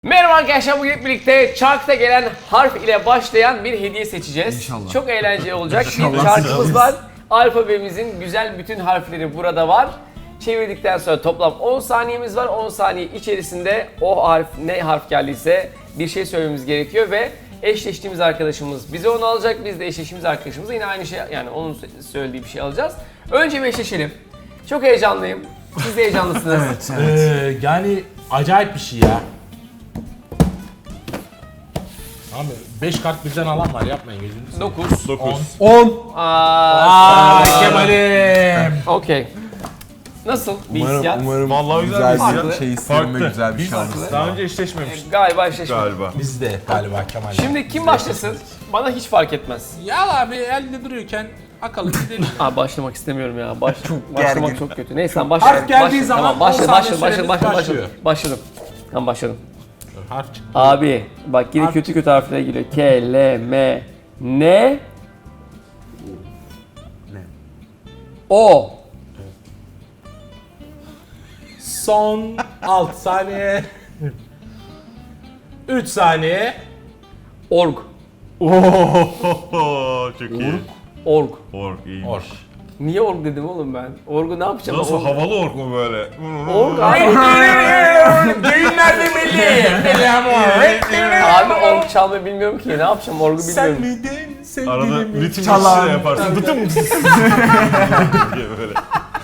Merhaba arkadaşlar, bugün hep birlikte çarkta gelen harf ile başlayan bir hediye seçeceğiz. İnşallah. Çok eğlenceli olacak. Bir İnşallah çarkımız var. Alfabemizin güzel bütün harfleri burada var. Çevirdikten sonra toplam 10 saniyemiz var. 10 saniye içerisinde o harf ne harf geldiyse bir şey söylememiz gerekiyor ve eşleştiğimiz arkadaşımız bize onu alacak. Biz de eşleştiğimiz arkadaşımıza yine aynı şey, yani onun söylediği bir şey alacağız. Önce bir eşleşelim. Çok heyecanlıyım. Siz de heyecanlısınız. Yani acayip bir şey ya. Abi 5 kart birden alan var, yapmayın gözünüzü seveyim. 9. 10. Aa Kemal'im. Okey. Nasıl bir hissiyat? Umarım Vallahi güzel güzel bir şey isterim ve Farklı. güzel bir şans. Daha önce eşleşmemiştik Galiba eşleşmedik. galiba. Biz de galiba Kemal. Şimdi kim başlasın? Bana hiç fark etmez. ya abi elde duruyorken akalım gidelim. Abi başlamak istemiyorum ya. Başlamak gergin. çok kötü. Neyse sen başla. Harf geldiği Başla. zaman Tamam, başla, 10 saniye başla, süremiz başladım. başlıyor. Başladım. Tamam başladım. Harf çıktı. Abi bak yine Harf kötü harfler geliyor. K, L, M, N, O. Son 6 saniye. 3 saniye. Org. Ohohoho, çok iyi. Org. Ork iyiymiş. Ork. Niye org dedim oğlum ben? Orgu ne yapacağım? Nasıl Org. havalı ork mu böyle? Org abi. Düğünler de milli. Abi org çalmayı bilmiyorum ki. Ne yapacağım? Orgu bilmiyorum. miydin Arada ritim Çalan. işi de yaparsın. Dıtım diye böyle.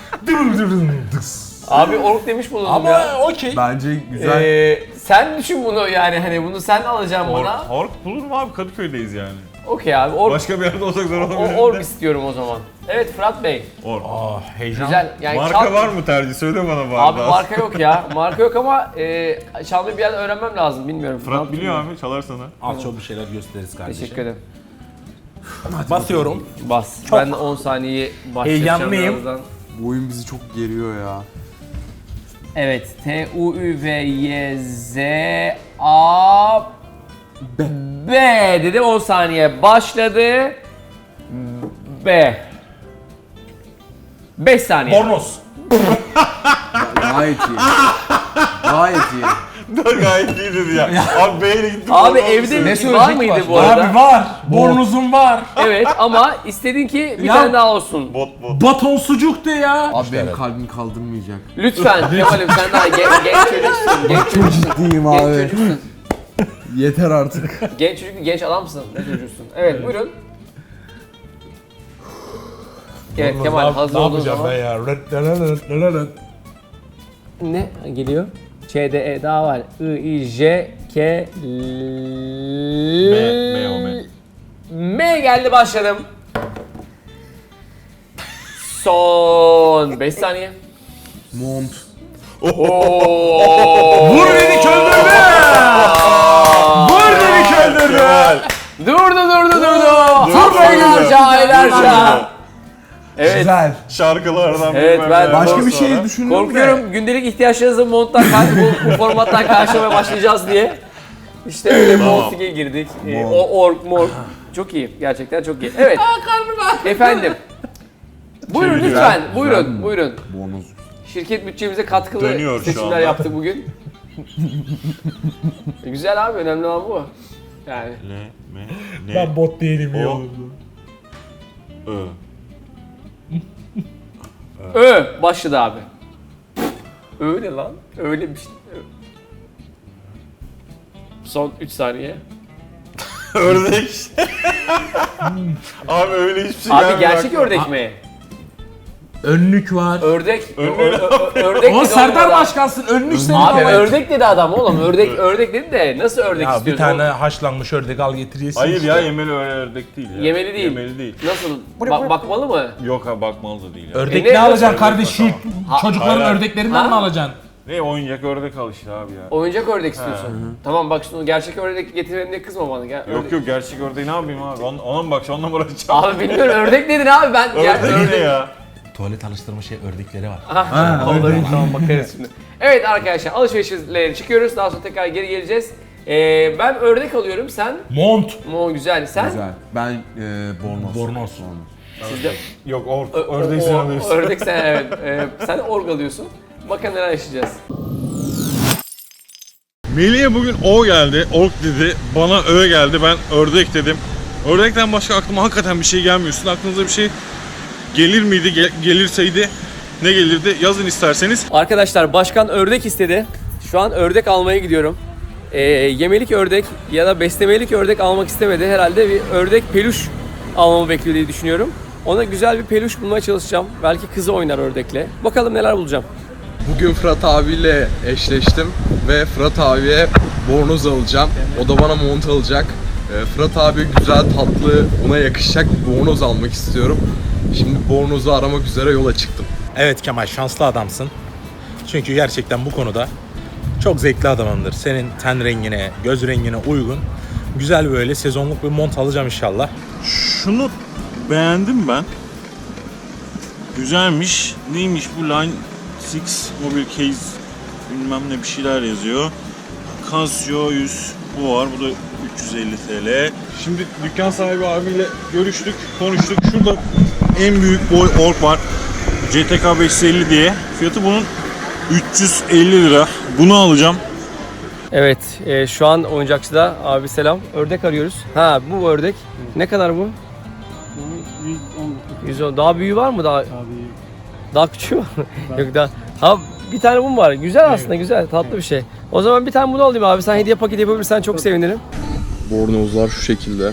Abi org demiş bulundum ya. Ama okey. Bence güzel. Sen düşün bunu, yani hani bunu sen alacaksın bana. Ork bulur mu abi? Kadıköy'deyiz yani. Okey abi, org. Başka bir yerde olsak zor olabilir. Org istiyorum o zaman. Evet Fırat Bey. Ork. Heyecan. Güzel. Yani Marka var mı tercih? Söyle bana bari. Abi marka yok ya. Marka yok ama çalmayı bir yerden öğrenmem lazım. Bilmiyorum. Ne Fırat yapayım biliyor ben? abi, çalar sana. Az çok bir şeyler gösteririz kardeşim. Teşekkür ederim. Basıyorum. Bas. Çok Ben de 10 saniye başlayacağım heyecanlıyım. birazdan. Bu oyun bizi çok geriyor ya. Evet. T, U, Ü, V, Y, Z, A, B dedim, 10 saniye başladı. B. 5 saniye. Bornoz. Gayet iyi. Gayet iyi. Gayet iyi dedi ya. Abi B'yle gittim. Abi oradan evde bir şey- var mıydı bu arada? Abi var. Bornozum var. Evet ama istedin ki bir Ya- tane daha olsun. Bot. Baton sucuk de ya. Abi benim kalbim kaldırmayacak. Lütfen Kemal'im, sen daha genç çocuksun. Genç çocuksun. Ciddiyim Genç abi. çocuksun. Yeter artık. Genç çocuk, genç adamsın. Ne çocuksun? Evet, buyurun. Evet Kemal, hazır ne olduğun yapacağım zaman. ben ya? Ne geliyor? Ç, D, E daha var. I, I, J, K, L... M o, M. M geldi, başladım. Son 5 saniye. Mont. Vur dedik öldürdü. Vur dedik öldürdü. Durdu. Aylarca, aylarca. Evet. Güzel. Şarkılardan Evet, bilmem ben- ne. Başka bir Ondan şey sonra- düşündüm de. Korkuyorum gündelik ihtiyaçlarınızı monttan bu formattan karşılamaya başlayacağız diye. İşte öyle Montig'e girdik. O org morg. Çok iyi. Gerçekten çok iyi. Evet. Efendim. Buyurun Çeviriyor. lütfen. Güzel Buyurun. mi? Buyurun. Bonus. Şirket bütçemize katkılı Dönüyor şu seçimler anda. yaptık bugün. Güzel abi. Önemli olan bu. Yani. L, M, N, Ben bot değilim ya. O. Ö. Başladı abi. Öyle lan. Öyle bir şey. Son 3 saniye. Ördek. Abi öyle hiçbir şey Abi gelmiyor gerçek aklıma. ördek mi? Önlük var. Ördek. Ördek. Ördek O dedi Serdar oğlum adam. Başkansın. Önlük senin Abi evet. ördek dedi adam oğlum. Ördek dedi de nasıl ördek Ya bir istiyorsun? tane haşlanmış ördek al getiriyorsun. Hayır işte. ya, yemeli öyle ördek değil ya. Yemeli değil. Yemeli değil. Nasıl? Bakmalı mı? Yok abi, bakmalı da değil ya. Ördek ne ne alacaksın ördek kardeş? Şu var, çocukların Hayır. ördeklerinden Ha? mi alacaksın? Ne oyuncak ördek al işte abi ya. Oyuncak ördek istiyorsun. Tamam bak, şimdi gerçek ördek getirmem diye kızma bana. Gel, Yok ördek. yok, gerçek ördeği ne yapayım abi? Ona mı bakacağım, onunla mı uğraşacağım? Abi bilmiyorum, ördek dedin abi ben. Ördek ne ya? Tuvalet alıştırma ördekleri var. Olabilir, tamam bakarız şimdi. Evet arkadaşlar, alışverişlere çıkıyoruz. Daha sonra tekrar geri geleceğiz. Ben ördek alıyorum, sen? Mont. Güzel, sen? Güzel. Ben bornoz. Bornoz. Sizde Yok, ördeği sen alıyorsun. ördek sen, evet. Sen org alıyorsun. Bakalım neler yaşayacağız. Melih'e bugün O geldi, ork dedi. Bana Ö geldi, ben ördek dedim. Ördekten başka aklıma hakikaten bir şey gelmiyor. Sizin aklınıza bir şey gelir miydi? Gelirseydi ne gelirdi? Yazın isterseniz. Arkadaşlar başkan ördek istedi. Şu an ördek almaya gidiyorum. Yemelik ördek ya da beslemelik ördek almak istemedi. Herhalde bir ördek peluş almamı bekliyor diye düşünüyorum. Ona güzel bir peluş bulmaya çalışacağım. Belki kızı oynar ördekle. Bakalım neler bulacağım. Bugün Fırat abiyle eşleştim ve Fırat abiye bornoz alacağım. O da bana mont alacak. Fırat abi güzel, tatlı, ona yakışacak bir bornoz almak istiyorum. Şimdi bornozu aramak üzere yola çıktım. Evet Kemal, şanslı adamsın. Çünkü gerçekten bu konuda çok zevkli adamımdır. Senin ten rengine, göz rengine uygun güzel böyle sezonluk bir mont alacağım inşallah. Şunu beğendim ben. Güzelmiş. Neymiş bu Line 6 Mobile Case bilmem ne bir şeyler yazıyor. Casio 100 bu var. Bu da 350 TL. Şimdi dükkan sahibi abiyle görüştük, konuştuk. Şurada en büyük boy ork var. CTK 550 diye. Fiyatı bunun 350 lira. Bunu alacağım. Evet, şu an oyuncakçıda abi selam. Ördek arıyoruz. Ha, bu ördek. Ne kadar bu? 110. Daha büyüğü var mı daha? Daha küçüğü var mı? Yok daha. Ha, bir tane bu mu var? Güzel aslında, güzel, tatlı bir şey. O zaman bir tane bunu alayım abi. Sen hediye paketi yapabilirsen çok sevinirim. Bornozlar şu şekilde.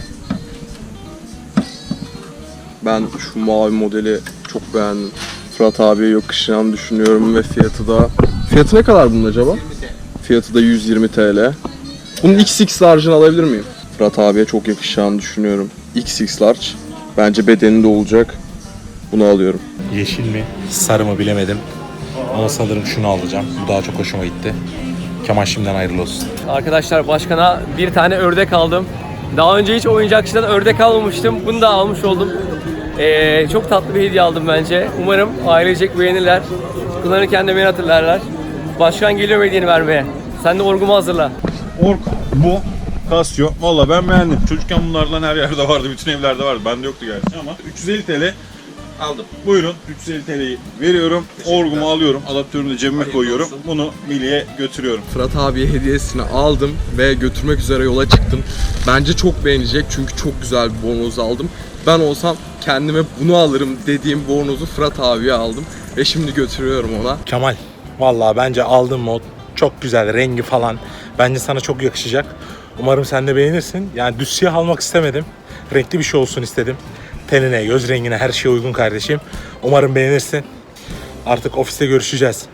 Ben şu mavi modeli çok beğendim. Fırat abiye yakışacağını düşünüyorum ve fiyatı da... Fiyatı ne kadar bunun acaba? Fiyatı da 120 TL. Bunun XX large'ını alabilir miyim? Fırat abiye çok yakışacağını düşünüyorum. XX large. Bence bedeninde olacak. Bunu alıyorum. Yeşil mi, sarı mı bilemedim. Ama sanırım şunu alacağım. Bu daha çok hoşuma gitti. Kemal şimdiden hayırlı olsun. Arkadaşlar başkana bir tane ördek aldım. Daha önce hiç oyuncakçıdan ördek almamıştım. Bunu da almış oldum. Çok tatlı bir hediye aldım bence. Umarım ailecek beğenirler. Kullanırken de beni hatırlarlar. Başkan geliyor hediyeni vermeye. Sen de orgumu hazırla. Ork bu. Casio. Valla ben beğendim. Çocukken bunlardan her yerde vardı. Bütün evlerde vardı. Bende yoktu gerçi ama 350 TL aldım. Buyurun 350 TL'yi veriyorum. Orgumu alıyorum. Adaptörünü de cebime koyuyorum. Bunu Milli'ye götürüyorum. Fırat abiye hediyesini aldım ve götürmek üzere yola çıktım. Bence çok beğenecek çünkü çok güzel bir bornoz aldım. Ben olsam kendime bunu alırım dediğim bornozu Fırat abiye aldım ve şimdi götürüyorum ona. Kemal, vallahi bence aldığın mod çok güzel, rengi falan. Bence sana çok yakışacak. Umarım sen de beğenirsin. Yani düz siyah almak istemedim. Renkli bir şey olsun istedim. Tenine, göz rengine her şeye uygun kardeşim. Umarım beğenirsin. Artık ofiste görüşeceğiz.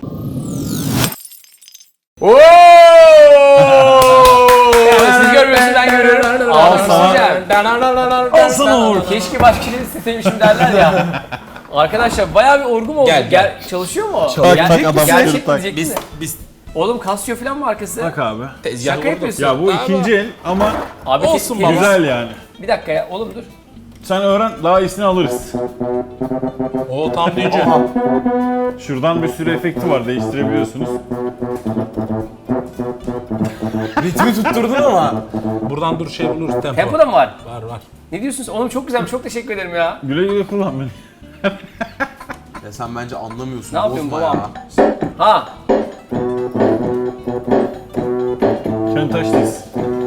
Siz görmüyorsunuz, ben görüyorum. Al sana. Keşke başka şey isteseymişim derler ya. Arkadaşlar bayağı bir orgum oldu. Gel. Çalışıyor mu? Gerçek adam misin? gerçek diyeceksin de. Biz Oğlum Casio falan mı arkası? Bak abi. Şaka yapıyorsun. Ya bu ikinci el ama Abi olsun ke- baba. güzel yani. Bir dakika ya oğlum dur. Sen öğren daha iyisini alırız. o tam deyince. Şuradan bir sürü efekti var değiştirebiliyorsunuz. Ritmi tutturdun ama. Buradan dur şey buluruz tempo. Tempo da mı var? Var. Ne diyorsunuz? Oğlum çok güzel, çok teşekkür ederim ya. Güle güle kullan beni. Ya sen bence anlamıyorsun. Ne yapıyorsun bozma babam? Ha, Kentaş'tayız.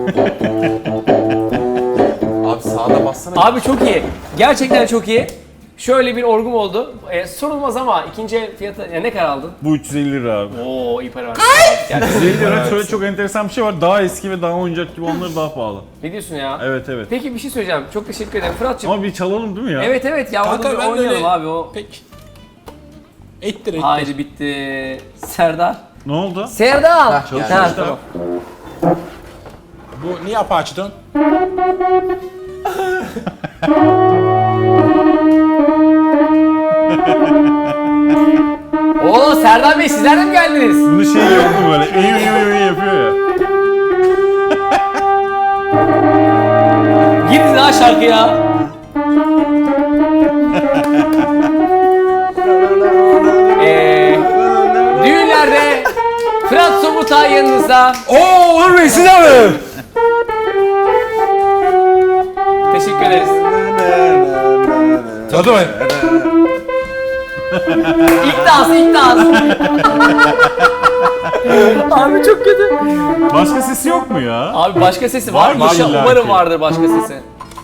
Abi sağda bassana. abi çok iyi. Gerçekten çok iyi. Şöyle bir orgum oldu. Sorulmaz ama ikinci el fiyatı ne kadar aldın? Bu 350 lira abi. Oo iyi para var. Yani, 350 lira şöyle çok enteresan bir şey var. Daha eski ve daha oyuncak gibi onları daha pahalı. ne diyorsun ya? Evet evet. Peki bir şey söyleyeceğim. Çok teşekkür ederim Fırat'cığım. Ama bir çalalım değil mi ya? Evet evet ya onu bir oynayalım abi o. Peki. Ettir. Haydi bitti. Serdar. Ne oldu? Serdar. çalışıyor Ha, işte. tamam. Bu niye apaçtın? Oo Serdar Bey sizler de mi geldiniz? Bunu şey yapıyor böyle. Eyi yapıyor ya. Girin ha şarkıya. Düğünlerde Fırat Somurtay yanınızda. Oo Uğur Bey size mi? Teşekkür ederiz. Hadi be. ilk dans. Abi çok kötü. Başka sesi yok mu ya? Abi başka sesi var mı? Var illa Umarım ki. vardır başka sesi.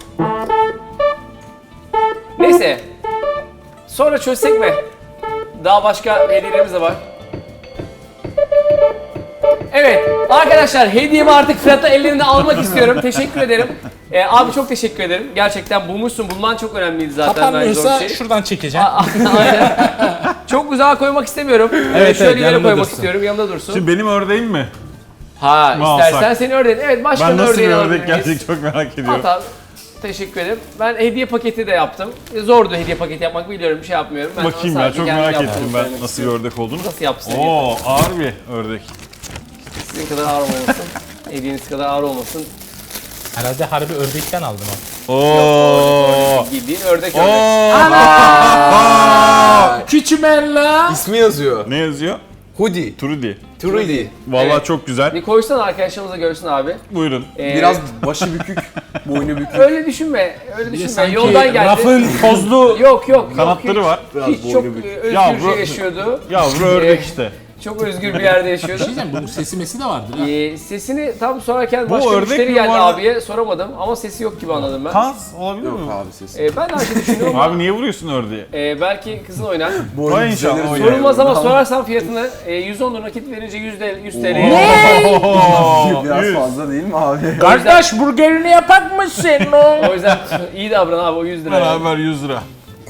Neyse. Sonra çözsek mi? Daha başka hediyelerimiz de var. Evet arkadaşlar hediyemi artık Fırat'a ellerinde almak istiyorum. Teşekkür ederim. Abi çok teşekkür ederim. Gerçekten bulmuşsun. Bulman çok önemliydi zaten. Bence Kapanmıyorsa o şey. şuradan çekeceğim. Aynen. Çok uzağa koymak istemiyorum. Evet, Şöyle evet, yere yanında koymak dursun. istiyorum. Yanında dursun. Şimdi benim ördeğim mi? Ha Ne istersen alsak? seni ördeğin. Evet başka Ben nasıl bir ördeğini ördek alabiliriz. gelecek çok merak ediyorum. Hatta teşekkür ederim. Ben hediye paketi de yaptım. Zordu hediye paketi yapmak biliyorum. Bir şey yapmıyorum. Ben Bakayım sana ya sadece çok kendim merak yaptığımı ettim ben söylemek nasıl bir istiyorum. ördek olduğunu. Nasıl yapsın? Oo ağır bir ördek. Sizin kadar ağır olmasın. Hediyeniz kadar ağır olmasın. Herhalde harbi ördekten aldım ha. Oo. Bildiğin ördek Oo. ördek. Küçümella. İsmi yazıyor. Ne yazıyor? Hoodie. Trudy. Trudy. Vallahi Evet. çok güzel. Bir koysana arkadaşlarımız da görsün abi. Buyurun. Biraz başı bükük, boynu bükük. Öyle düşünme. Öyle düşünme. Sanki Yoldan geldi. rafın tozlu Yok. Kanatları hiç, var. Hiç çok özgürce Yavru- yaşıyordu. Yavru ördek işte. Çok özgür bir yerde yaşıyordu. bunun sesi mesi de vardır ha. Sesini tam sorarken Bu başka ördek müşteri mi geldi var? abiye soramadım ama sesi yok gibi anladım ben. Kaz olabilir mi? Abi sesi. Ben de aynı şeyi düşünüyorum ama Abi niye vuruyorsun ördeği? belki kızın oynar. Vay inşallah oynar. Sorulmaz ama sorarsan fiyatını 110 lira nakit verince 100 TL. Oo, Biraz 100. fazla değil mi abi? Kardeş burgerini yapak mısın? O yüzden iyi davran abi o 100 lira. Beraber 100 lira.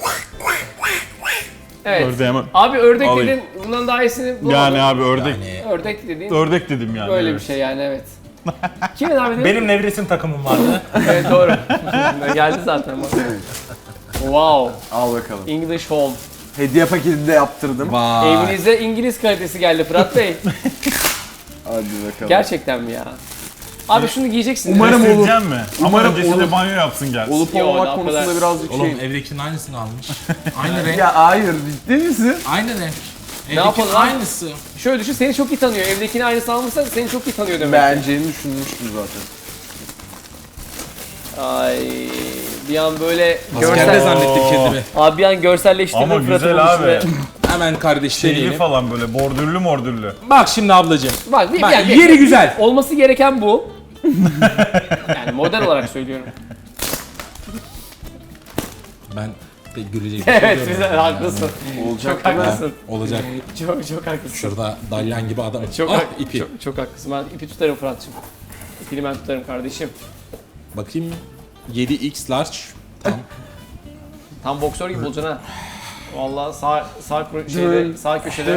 Evet. Ördeği hemen. Abi ördek Alayım. dedin bundan daha iyisini bulamadım. Yani abi ördek. Ördek dediğin Ördek dedim yani. böyle bir evet. şey yani evet. Kimin abi dedin? Benim nevresim takımım vardı. Evet doğru. Geldi zaten bak. Wow. Al bakalım. English Home. Hediye paketi de yaptırdım. Vay. Evinize İngiliz kalitesi geldi Fırat Bey. Hadi bakalım. Gerçekten mi ya? Abi şunu giyeceksin. Umarım olur. Sileceğim mi? Ama Umarım öncesinde olur. banyo yapsın gel. Olup Yo, olmamak o konusunda kadar. birazcık Oğlum şey. evdekinin aynısını almış. Aynı renk. Ya hayır ciddi misin? Aynı renk. yapalım Evdekinin lan? aynısı. Şöyle düşün seni çok iyi tanıyor. Evdekini aynısı almışsa seni çok iyi tanıyor demek. Beğeneceğini düşünmüştüm zaten. Ay bir an böyle Askerde görsel... zannettim kendimi. Abi bir an görselleştirdim Ama Fırat'ın güzel abi. buluşunu. Hemen kardeş Şeyli deneyelim. falan böyle bordürlü mordürlü. Bak şimdi ablacığım. Bak bir Bak, yani yeri güzel. Olması gereken bu. Yani model olarak söylüyorum. Ben pek gülecek bir şey Evet görmedim. güzel haklısın. Olacak Çok haklısın. Olacak. Çok haklısın. Şurada dalyan gibi adam. Çok, Ah, ipi. çok haklısın. Ben ipi tutarım Fırat'cığım. İpini ben tutarım kardeşim. Bakayım. 7x large. Tam. Tam boksör gibi olacaksın ha. Vallahi sağ köşede.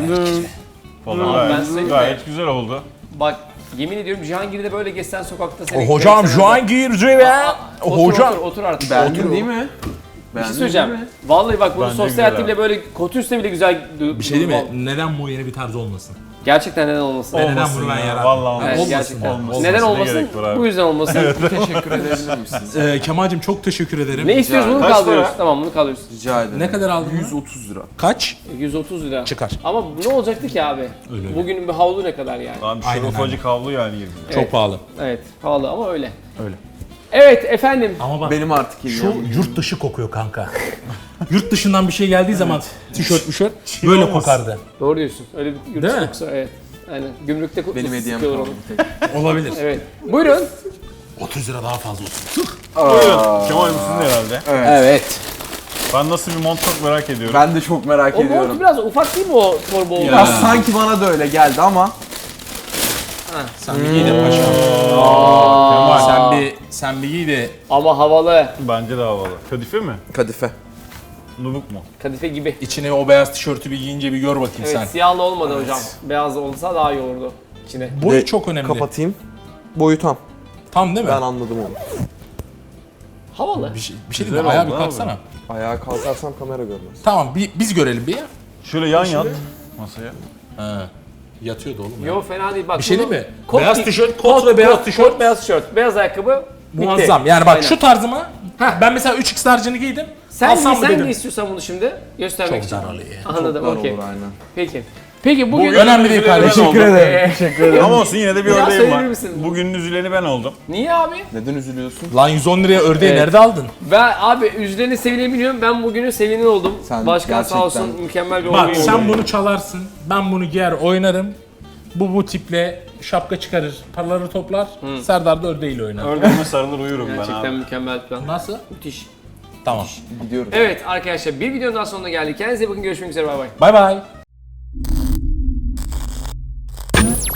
Falan ben gayet, söyleyeyim gayet güzel oldu. Bak yemin ediyorum Cihangir'de böyle geçsen sokakta seni... Hocam görsen- şu an gireceğim ya. Otur, otur artık. Beğendin değil mi? Bir şey söyleyeceğim. Vallahi bak bunu Bence sosyal güzel hayatı bile böyle kötü üstüne bile güzel... Bir şey değil mi? Neden bu yeni bir tarz olmasın? Gerçekten neden olmasın? Neden Olmasın bunu ben ya, yarattım? vallahi olmasın. Evet, Olmasın gerçekten. ya, olmasın. Neden Ne olmasın? gerek var abi? Bu yüzden olmasın. Teşekkür edebilir misiniz? Kemal'cim çok teşekkür ederim. Ne istiyoruz bunu Kaç kaldırıyoruz. para? Tamam bunu kaldırıyoruz. Rica ederim. Ne kadar aldın? 130 lira. Kaç? 130 lira. Çıkar. Ama ne olacaktı ki abi? Öyle. Bugünün bir havlu ne kadar yani? Lan Aynen, şu ufacık havlu yani 20 lira. Çok pahalı. Evet pahalı ama öyle. Öyle. Evet efendim. Ama bak Benim artık şu hediyem. yurt dışı kokuyor kanka. Yurt dışından bir şey geldiği zaman tişört böyle olmasın. kokardı. Doğru diyorsun. Öyle bir yurt Değil dışı mi? kokusu, evet. Aynen. Gümrükte Benim hediyem sıkıyorlar kaldı. onu. Olabilir. Evet. Buyurun. 30 lira daha fazla olsun. Buyurun. Kemal Müslü'nün herhalde. Evet. Ben nasıl bir mont çok merak ediyorum. Ben de çok merak O mont ediyorum. biraz ufak değil mi o torba olduğu? Biraz sanki bana da öyle geldi ama Sen bir giy de paşam. Kemal. Sen bir giy de Ama havalı. Bence de havalı. Kadife mi? kadife. Nubuk mu? Kadife gibi. içine o beyaz tişörtü bir giyince bir gör bakayım Evet sen. siyahlı olmadı hocam. Beyaz olsa daha iyi olurdu içine. Boyu De- çok önemli. Kapatayım. Boyu tam. Tam değil mi? Ben anladım onu. Havalı. Bir şey Güzel değil mi? Ayağa bir oldu abi. kalksana. Ayağa kalkarsam kamera görmez. Tamam biz görelim bir ya. Şöyle yan yat masaya. Ha. Yatıyordu oğlum ya. Yo fena değil bak. Bir şey bunu- değil mi? Kot Beyaz giy- tişört, kot ve beyaz tişört. Kot, beyaz tişört, beyaz ayakkabı. bitti. Muazzam. Yani bak Aynen. şu tarzıma ben mesela 3x large'ını giydim. Sen alsam giy, mı sen dedim. giy istiyorsan bunu şimdi göstermek Çok için. zararlı ya. Anladım Dar okey. olur aynen. Peki. Peki bugün... Önemli değil kardeşim. Teşekkür ederim. Teşekkür ederim. Ama olsun yine de bir Biraz ördeğim söyleyebilir var. misin? Bugünün üzüleni ben oldum. Niye abi? Neden üzülüyorsun? Lan 110 liraya ördeği Evet. nerede aldın? Ben abi üzerine sevini biliyorum. Ben bugünün sevini oldum. Sen Başkan sağ olsun gerçekten- mükemmel bir Bak oyun sen oldu. bunu çalarsın, ben bunu giyer oynarım. Bu tiple şapka çıkarır, paraları toplar. Serdar da ördeğiyle oynar. Ördeğime sarılır uyurum ben Gerçekten abi. mükemmel bir plan. Nasıl? Müthiş. Tamam. Gidiyorum. Evet arkadaşlar bir videonun daha sonuna geldik. Kendinize iyi bakın. Görüşmek üzere. Bay bay. Bay bay.